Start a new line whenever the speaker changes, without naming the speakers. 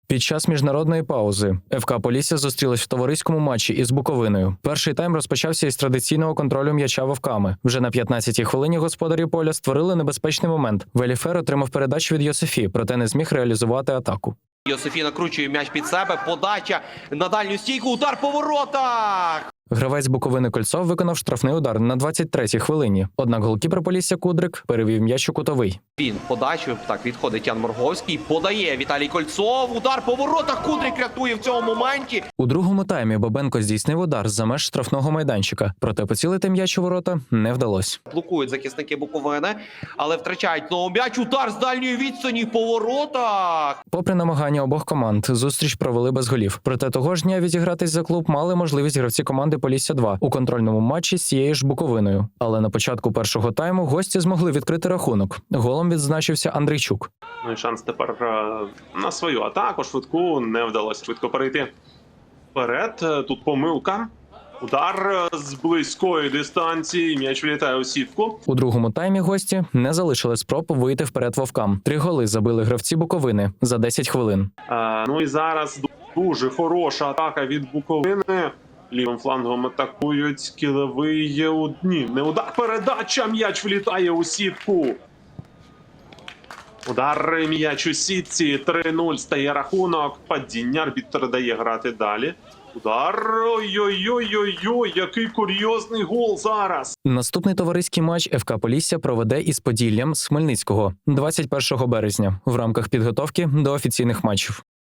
Під час міжнародної паузи ФК Полісся зустрілась в товариському матчі із Буковиною. Перший тайм розпочався із традиційного контролю м'яча вовками. Вже на 15-й хвилині господарі поля створили небезпечний момент. Веліфер отримав передачу від Йосифі, проте не зміг реалізувати атаку.
Йосифі накручує м'яч під себе, подача на дальню стійку, удар по воротах!
Гравець Буковини Кольцов виконав штрафний удар на 23-й хвилині. Однак голкіпер Полісся Кудрик перевів м'яч у кутовий.
Він подачу, так, відходить Ян Морговський, подає Віталій Кольцов, удар по воротах, Кудрик рятує в цьому моменті.
У другому таймі Бабенко здійснив удар за меж штрафного майданчика, проте поцілити м'яч у ворота не вдалося.
Блокують захисники Буковини, але втрачають знову м'яч, удар з дальньої відстані по воротах.
Попри намагання обох команд, зустріч провели без голів. Проте того ж дня відігратись за клуб мали можливість гравці команди Полісся-2 у контрольному матчі з цією ж Буковиною. Але на початку першого тайму гості змогли відкрити рахунок. Голом відзначився Андрійчук.
Ну і шанс тепер на свою атаку швидку не вдалося швидко перейти вперед. Тут помилка. Удар з близької дистанції. М'яч вилітає у сітку.
У другому таймі гості не залишили спроб вийти вперед вовкам. 3 голи забили гравці Буковини за 10 хвилин.
Ну і зараз дуже хороша атака від Буковини. Лівим флангом атакують кілевий. Ні, не удар. Передача. М'яч влітає у сітку. Удар, м'яч у сітці. 3-0 стає рахунок. Падіння. Арбітр дає грати далі. Удар. Ой-ой-ой-ой-ой, який курйозний гол зараз.
Наступний товариський матч ФК Полісся проведе із Поділлям з Хмельницького 21 березня в рамках підготовки до офіційних матчів.